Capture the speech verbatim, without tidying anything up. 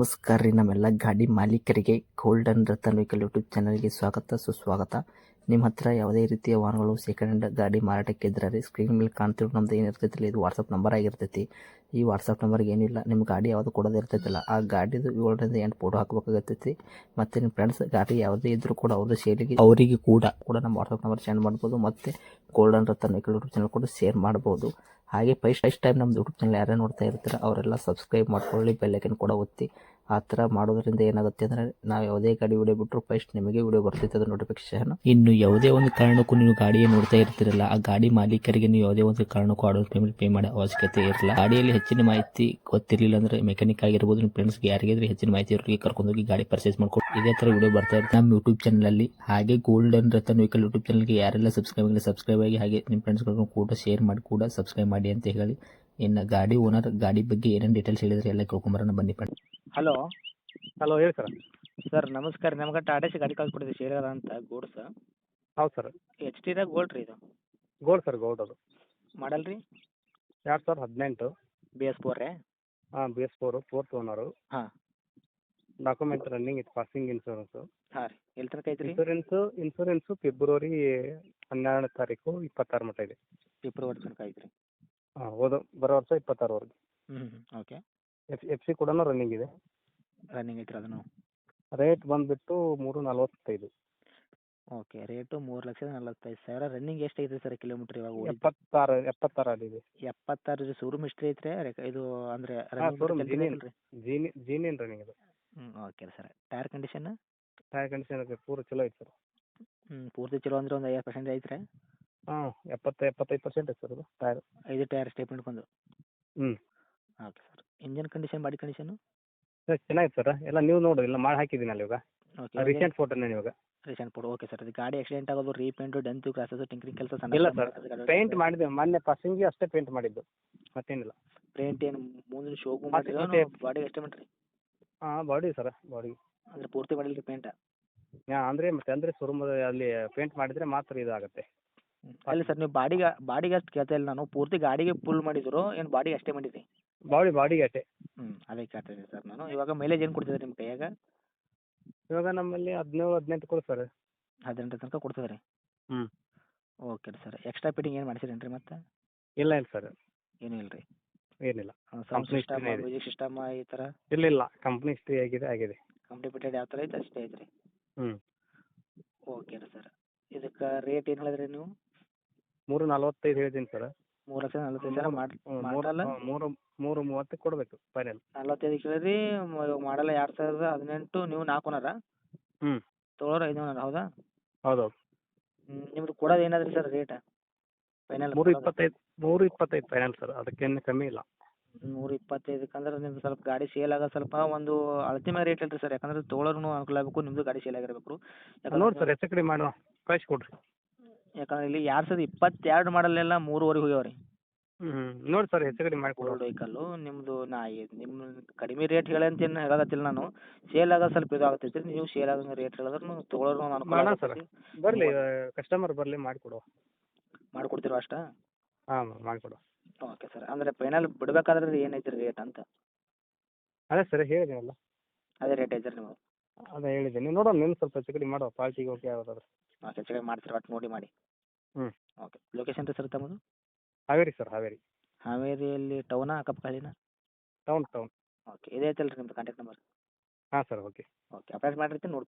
ನಮಸ್ಕಾರ ರೀ ನಮ್ಮೆಲ್ಲ ಗಾಡಿ ಮಾಲೀಕರಿಗೆ ಗೋಲ್ಡನ್ ರತನ್ ವೆಹಿಕಲ್ ಯೂಟ್ಯೂಬ್ ಚಾನಲ್ಗೆ ಸ್ವಾಗತ ಸುಸ್ವಾಗತ. ನಿಮ್ಮ ಹತ್ರ ಯಾವುದೇ ರೀತಿಯ ವಾಹನಗಳು ಸೆಕೆಂಡ್ ಹ್ಯಾಂಡ್ ಗಾಡಿ ಮಾರಾಟಕ್ಕೆ ಇದ್ರೆ ರೀ ಸ್ಕ್ರೀನ್ ಮೇಲೆ ಕಾಣ್ತಿರೋ ನಮ್ದು ಏನಿರ್ತೈತಿ ಇದು ವಾಟ್ಸಪ್ ನಂಬರ್ ಆಗಿರ್ತೈತಿ. ಈ ವಾಟ್ಸಪ್ ನಂಬರ್ಗೆ ಏನಿಲ್ಲ ನಿಮ್ಮ ಗಾಡಿ ಯಾವುದು ಕೊಡೋದು ಇರ್ತೈತಿಲ್ಲ ಆ ಗಾಡಿದು ಏಳರಿಂದ ಎಂಟು ಫೋಟೋ ಹಾಕಬೇಕಾಗತ್ತೈತಿ. ಮತ್ತು ನಿಮ್ಮ ಫ್ರೆಂಡ್ಸ್ ಗಾಡಿ ಯಾವುದೇ ಇದ್ರೂ ಕೂಡ ಅವ್ರದ್ದು ಶೇರಿಗೆ ಅವರಿಗೆ ಕೂಡ ಕೂಡ ನಮ್ಮ ವಾಟ್ಸಪ್ ನಂಬರ್ ಸೆಂಡ್ ಮಾಡ್ಬೋದು. ಮತ್ತು golden Ratan vehicle YouTube channel ಕೂಡ ಶೇರ್ ಮಾಡ್ಬೋದು. ಹಾಗೆ ಫಸ್ಟ್ ಫಸ್ಟ್ ಟೈಮ್ ನಮ್ಮ ಯೂಟ್ಯೂಬ್ ಚಾನಲ್ ಯಾರೇ ನೋಡ್ತಾ ಇರ್ತಾರೆ ಅವರೆಲ್ಲ ಸಬ್ಸ್ಕ್ರೈಬ್ ಮಾಡ್ಕೊಳ್ಳಿ, ಬೆಲ್ಲೈಕನ್ ಕೂಡ ಒತ್ತಿ. ಆ ಥರ ಮಾಡೋದ್ರಿಂದ ಏನಾಗುತ್ತೆ ಅಂದರೆ ನಾವು ಯಾವುದೇ ಗಾಡಿ ವಿಡಿಯೋ ಬಿಟ್ಟರು ಫಸ್ಟ್ ನಿಮಗೆ ವಿಡಿಯೋ ಬರ್ತೈತೆ ಅದು ನೋಟಿಫಿಕೇಶನ್. ಇನ್ನು ಯಾವುದೇ ಒಂದು ಕಾರಣಕ್ಕೂ ನೀವು ಗಾಡಿயை ನೋಡ್ತಾ ಇರ್ತಿರಲ್ಲ ಆ ಗಾಡಿ ಮಾಲೀಕರಿಗೆ ನೀವು ಯಾವುದೇ ಒಂದು ಕಾರಣಕ್ಕೂ ಅಡ್ವಾನ್ಸ್ ಪೇಮೆಂಟ್ ಪೇ ಮಾಡೋ ಅವಶ್ಯಕತೆ ಇರಲ್ಲ. ಗಾಡಿಯಲ್ಲಿ ಹೆಚ್ಚಿನ ಮಾಹಿತಿ ಗೊತ್ತಿರಲಿಲ್ಲ ಅಂದರೆ ಮೆಕ್ಯಾನಿಕ್ ಆಗಿರ್ಬೋದು, ನಿಮ್ಮ ಫ್ರೆಂಡ್ಸ್ಗೆ ಯಾರಿಗಾದ್ರೆ ಹೆಚ್ಚಿನ ಮಾಹಿತಿ ಇರೋರಿಗೆ ಕರ್ಕೊಂಡೋಗಿ ಗಾಡಿ ಪರ್ಚೇಸ್ ಮಾಡ್ಕೊಂಡು ಇದೇ ಥರ ವಿಡಿಯೋ ಬರ್ತಾ ಇರುತ್ತೆ ನಮ್ಮ ಯೂಟ್ಯೂಬ್ ಚಾನಲಲ್ಲಿ. ಹಾಗೆ ಗೋಲ್ಡನ್ ರತನ್ ವೆಹಿಕಲ್ ಯೂಟ್ಯೂಬ್ ಚಾನಲ್ಗೆ ಯಾರೆಲ್ಲ ಸಬ್ಸ್ಕ್ರೈಬ್ ಆಗಿಲ್ಲ ಸಬ್ಸ್ಕ್ರೈಬ್ ಆಗಿ, ಹಾಗೆ ನಿಮ್ಮ ಫ್ರೆಂಡ್ಸ್ಗಳನ್ನು ಕೂಡ ಶೇರ್ ಮಾಡಿ ಕೂಡ ಸಬ್ಸ್ಕ್ರೈಬ್ ಮಾಡಿ ಅಂತ ಹೇಳಿ. ಇನ್ನು ಗಾಡಿ ಓನರ್ ಗಾಡಿ ಬಗ್ಗೆ ಏನೇನು ಡೀಟೇಲ್ಸ್ ಹೇಳಿದ್ರೆ ಎಲ್ಲ ಕೇಳ್ಕೊಂಬರೋಣ ಬನ್ನಿ ಫ್ರೆಂಡ್. ಹಲೋ ಹಲೋ ಹೇಳಿ ಸರ್. ಸರ್ ನಮಸ್ಕಾರ. ನಮ್ಗೆ ಟಾಟಾ ಸಿ ಗಾಡಿ ಕಳ್ಸಿಕೊಡಿದ್ರಿ ಶೇರ್ ಅಂತ ಗೂಡ್ಸ್. ಹೌದು ಸರ್. ಎಚ್ ಟಿದಾಗ ಗೋಲ್ಡ್ ರೀ ಇದು. ಗೋಲ್ಡ್ ಸರ್, ಗೋಲ್ಡ್ ಅದು. ಮಾಡಲ್ ರೀ ಎರಡು ಸಾವಿರದ ಹದಿನೆಂಟು. ಬಿ ಎಸ್ ಫೋರ್ ರೀ. ಹಾಂ, B S four, fourth owner. ಹಾಂ ಡಾಕ್ಯುಮೆಂಟ್ ರನ್ನಿಂಗ್ ಇತ್ತು, ಪಾಸಿಂಗ್ ಇನ್ಶೂರೆನ್ಸು. ಹಾಂ ರೀ. ಎಲ್ಲಿ ತನಕ ಐತ್ರಿ? ಇನ್ಶೂರೆನ್ಸು ಇನ್ಶೂರೆನ್ಸು ಫೆಬ್ರವರಿ ಹನ್ನೆರಡನೇ ತಾರೀಕು ಇಪ್ಪತ್ತಾರು ಮಟ್ಟ ಇದೆ. ಫೆಬ್ರವರಿ ತನಕ ಐತ್ರಿ. ಹಾಂ, ಹೋದ ಬರೋ ವರ್ಷ ಇಪ್ಪತ್ತಾರವರೆಗೆ. ಹ್ಞೂ ಹ್ಞೂ ಓಕೆ. ಎಫ್ ಎಫ್ ಸಿ ಕೂಡ ರನ್ನಿಂಗ್ ಇದೆ. ರನ್ನಿಂಗ್ ಐತ್ರಿ ಅದನ್ನು. ರೇಟ್ ಬಂದುಬಿಟ್ಟು ಮೂರು ನಲ್ವತ್ತೈದು. ಓಕೆ. ರೇಟು ಮೂರು ಲಕ್ಷದ ನಲ್ವತ್ತೈದು ಸಾವಿರ. ರನ್ನಿಂಗ್ ಎಷ್ಟು ಐತ್ರಿ ಸರ್ ಕಿಲೋಮೀಟ್ರ್ ಇವಾಗ ಓಡಿ? ಎಪ್ಪತ್ತಾರು ಎಪ್ಪತ್ತಾರು ಆಗಿದೆ. ಎಪ್ಪತ್ತಾರು ರೀ. ಶೋರೂಮ್ ಹಿಸ್ಟ್ರಿ ಐತ್ರಿ ಇದು ಅಂದರೆ ಹಾಂ, ಶೋರೂಮ್ ಜೀನಿಯನ್ ರೀ? ಜೀನಿ ಜೀನಿಯನ್ ರನ್ನಿಂಗ್ ಇದೆ. ಹ್ಞೂ okay sir. Tyre condition? Tyre condition ಇದೆ, ಪೂರ ಚಲೋ ಐತೆ ಸರ್. ಹ್ಞೂ ಪೂರ್ತಿ ಚಲೋ ಅಂದ್ರೆ ಒಂದು ಐವತ್ತು ಪರ್ಸೆಂಟ್ ಐತ್ರಿ? ಹಾಂ, ಎಪ್ಪತ್ತು ಎಪ್ಪತ್ತೈದು ಪರ್ಸೆಂಟ್ ಐತೆ ಸರ್ ಅದು ಟೈರ್. ಐದು ಟೈರ್ ಸ್ಟೇಟ್ಮೆಂಟ್ ಬಂದು. ಹ್ಞೂ okay sir. Engine condition, body condition? Sir ಚೆನ್ನಾಗಿದೆ ಸರ್. ಎಲ್ಲ ನೀವು ನೋಡಿ, ಎಲ್ಲ ಮಾಡಿ ಹಾಕಿದ್ದೀನಲ್ಲ ಇವಾಗ. ಓಕೆ. ರೀಸೆಂಟ್ ಫೋಟೋನೇ ಇವಾಗ. Recent photo. Okay sir. ಇದು ಗಾಡಿ ಆಕ್ಸಿಡೆಂಟ್ ಆಗೋದು, ರೀಪೇಂಟು, ಡೆಂತು, ಕ್ರಾಸಸ್, ಟಿಂಕ್ರಿಂಗ್ ಕೆಲಸ ಸಣ್ಣ ಇಲ್ಲ ಸರ್, ಪೇಂಟ್ ಮಾಡಿದ್ದೆ ಮೊನ್ನೆ ಪಾಸಿಂಗಿಗೆ ಅಷ್ಟೇ ಪೇಂಟ್ ಮಾಡಿದ್ದು, ಮತ್ತೇನಿಲ್ಲ. ಪೇಂಟ್ ಏನು ಮುಂದಿನ ಶೋಗೂ ಮತ್ತೆ- ಮಾಡಿರಿ ಮತ್ತೆ- ಬಾಡಿಗೆ ಅಷ್ಟೇ ಮಾಡಿರಿ? ಹಾಂ, ಬಾಡಿ ಸರ್, ಬಾಡಿ. ಅಂದರೆ ಪೂರ್ತಿ ಮಾಡಿಲ್ಲ ರೀ ಪೇಂಟ? ಹಾಂ, ಅಂದರೆ ಮತ್ತೆ ಅಂದರೆ ಶೋರೂಮ್ ಅಲ್ಲಿ ಪೇಂಟ್ ಮಾಡಿದರೆ ಮಾತ್ರ ಇದಾಗುತ್ತೆ. ಅಲ್ಲ ಸರ್, ನೀವು ಬಾಡಿಗೆ ಬಾಡಿಗೆ ಅಷ್ಟು ಕೇಳ್ತಾ ಇಲ್ಲ ನಾನು. ಪೂರ್ತಿ ಗಾಡಿಗೆ ಫುಲ್ ಮಾಡಿದ್ರು ಏನು ಬಾಡಿಗೆ ಅಷ್ಟೇ ಮಾಡಿರಿ? ಬಾಡಿ ಬಾಡಿಗೆ ಅಷ್ಟೇ. ಹ್ಞೂ ಅದೇ ಕೇಳ್ತಾ ಇದ್ದೀನಿ ಸರ್ ನಾನು. ಇವಾಗ ಮೈಲೇಜ್ ಏನು ಕೊಡ್ತಿದ್ರಿ ನಿಮ್ಮ ಕೈಯಾಗ? ಇವಾಗ ನಮ್ಮಲ್ಲಿ ಹದಿನೇಳು ಹದಿನೆಂಟು ಕೊಡು ಸರ್. ಹದಿನೆಂಟು ತನಕ ಕೊಡ್ತದೆ ರೀ? ಹ್ಞೂ ಓಕೆ ರೀ ಸರ್. ಎಕ್ಸ್ಟ್ರಾ ಫಿಟ್ಟಿಂಗ್ ಏನು ಮಾಡಿಸಿರೇನು ರೀ ಮತ್ತೆ? ಇಲ್ಲ ಇಲ್ಲ ಸರ್, ಏನೂ ಇಲ್ಲ ರೀ? ಏನಿಲ್ಲ. ಸೌಂಡ್ ಕಂಪ್ನಿ ಸಿಸ್ಟಮ್, ಹಿಸ್ಟ್ರಿನೇ ಇದೆ. ಮ್ಯೂಸಿಕ್ ಸಿಸ್ಟಮ್ ಈ ಥರ? ಇಲ್ಲ ಇಲ್ಲ, ಕಂಪ್ನಿ ಹಿಸ್ಟ್ರಿ ಆಗಿದೆ ಆಗಿದೆ. ಕಂಪ್ನಿ ಫಿಟೆಡ್ ಯಾವ ಥರ ಐತೆ ಅಷ್ಟೇ ಐತೆ ರೀ? ಹ್ಞೂ ಓಕೆ ರೀ ಸರ್. ಇದಕ್ಕೆ ರೇಟ್ ಏನು ಹೇಳಿದ್ರಿ ನೀವು? ಮೂರು ನಲ್ವತ್ತೈದು ಹೇಳಿದ್ದೀನಿ ಸರ್. ಮೂರು ಲಕ್ಷದ ನಲ್ವತ್ತೈದು ಸಾವಿರ ಮಾಡಿ ಮೂರು ಮಾಡಲ್ಲ? ಮೂರು ಮೂರು ಮೂವತ್ತಕ್ಕೆ ಕೊಡಬೇಕು ಫೈನಲ್. ನಲ್ವತ್ತೈದು ಕೇಳಿರಿ. ಇವಾಗ ಮಾಡಲ್ಲ ಎರಡು ಸಾವಿರದ ಹದಿನೆಂಟು, ನೀವು ನಾಲ್ಕು ನೂರ ಹ್ಞೂ ತೊಗೊಳೋರು ಐದು ನೂರ, ಹೌದಾ? ಹೌದೌದು. ಹ್ಞೂ ನಿಮ್ದು ಕೊಡೋದು ಏನಾದ್ರಿ ಸರ್ ರೇಟ್ ಫೈನಲ್? ಮೂರು ಇಪ್ಪತ್ತೈದು ಮೂರು ಇಪ್ಪತ್ತೈದು ಫೈನಲ್ ಸರ್, ಅದಕ್ಕೇನು ಕಮ್ಮಿ ಇಲ್ಲ. ನೂರ ಇಪ್ಪತ್ತೈದಕ್ಕೆ ಅಂದ್ರೆ ನಿಮ್ದು ಸ್ವಲ್ಪ ಗಾಡಿ ಸೇಲ್ ಆಗೋದು ಸ್ವಲ್ಪ ಒಂದು ಅಳತೆ ಮೇಲೆ ರೇಟ್ ಅಲ್ರಿ ಸರ್. ಯಾಕಂದ್ರೆ ತೊಗೊಳೋರ್ನು ಅನುಕೂಲ ಆಗಬೇಕು, ನಿಮ್ಮದು ಗಾಡಿ ಸೇಲ್ ಆಗಿರಬೇಕು. ನೋಡಿ ಸರ್, ಹೆಚ್ಚು ಕಡಿಮೆ ಮಾಡುವ, ಕಳಿಸಿ ಕೊಡಿರಿ. ಯಾಕಂದ್ರೆ ಇಲ್ಲಿ ಎರಡು ಸಾವಿರದ ಇಪ್ಪತ್ತೆರಡು ಮಾಡಲೆಲ್ಲ ಮೂರುವರೆಗೆ ಹೋಗ್ಯಾವ ರೀ. ಹ್ಞೂ ನೋಡಿ ಸರ್, ಹೆಚ್ಚು ಕಡಿಮೆ ಮಾಡಿ ಕೊಡುವ. ಓಲ್ಡ್ ವೆಹಿಕಲ್ಲು ನಿಮ್ಮದು. ನಾ ನಿಮ್ಮ ಕಡಿಮೆ ರೇಟ್ ಹೇಳಿ ಅಂತ ಏನು ಹೇಳಕತ್ತಿಲ್ಲ ನಾನು. ಸೇಲ್ ಆಗೋದು ಸ್ವಲ್ಪ ಇದು ಆಗ್ತೈತಿ. ನೀವು ಸೇಲ್ ಆಗೋ ರೇಟ್ ಹೇಳಿದ್ರು ತೊಗೊಳೋರು ಅನುಕೂಲ ಮಾಡೋಣ ಸರ್, ಆಗ್ತೈತಿ. ಬರಲಿ ಕಸ್ಟಮರ್ ಬರಲಿ ಮಾಡಿಕೊಡುವ. ಮಾಡಿಕೊಡ್ತೀರೋ ಅಷ್ಟಾ? ಹಾಂ, ಮಾಡಿಕೊಡುವ. Okay sir. ಅಂದರೆ ಫೈನಲ್ ಬಿಡಬೇಕಾದ್ರೆ ಏನೈತೆ ರೀ ರೇಟ್ ಅಂತ? ಅದೇ ಸರ್ ಹೇಳಿದ್ದೀನಲ್ಲ, ಅದೇ ರೇಟ್ ಐತೆ ರೀ ನೀವು? ಅದೇ ಹೇಳಿದ್ದೀನಿ. ನೋಡೋಣ, ನೀವು ಸ್ವಲ್ಪ ಹೆಚ್ಚು ಕಡಿಮೆ ಮಾಡುವ, ಪಾರ್ಟಿಗೆ ಓಕೆ ಯಾವುದಾದ್ರು. ಓಕೆ ಚೆಕ್ ಮಾಡ್ತೀರಿ ಒಟ್ಟು ನೋಡಿ ಮಾಡಿ. ಹ್ಞೂ ಓಕೆ. ಲೊಕೇಶನ್ ರೀ ಸರ್ ತಮ್ಮದು? ಹಾವೇರಿ ಸರ್, ಹಾವೇರಿ. ಹಾವೇರಿಯಲ್ಲಿ ಟೌನಾ ಅಕ್ಕಪಕ್ಕಲಿನ? Town town. ಓಕೆ. ಇದೇ ಐತಲ್ಲ ರೀ ನಿಮ್ಮದು ಕಾಂಟ್ಯಾಕ್ಟ್ ನಂಬರ್? ಹಾಂ ಸರ್, ಓಕೆ. ಓಕೆ. ಅಪ್ಡೇಟ್ ಮಾಡಿರ್ತೀನಿ ನೋಡಿ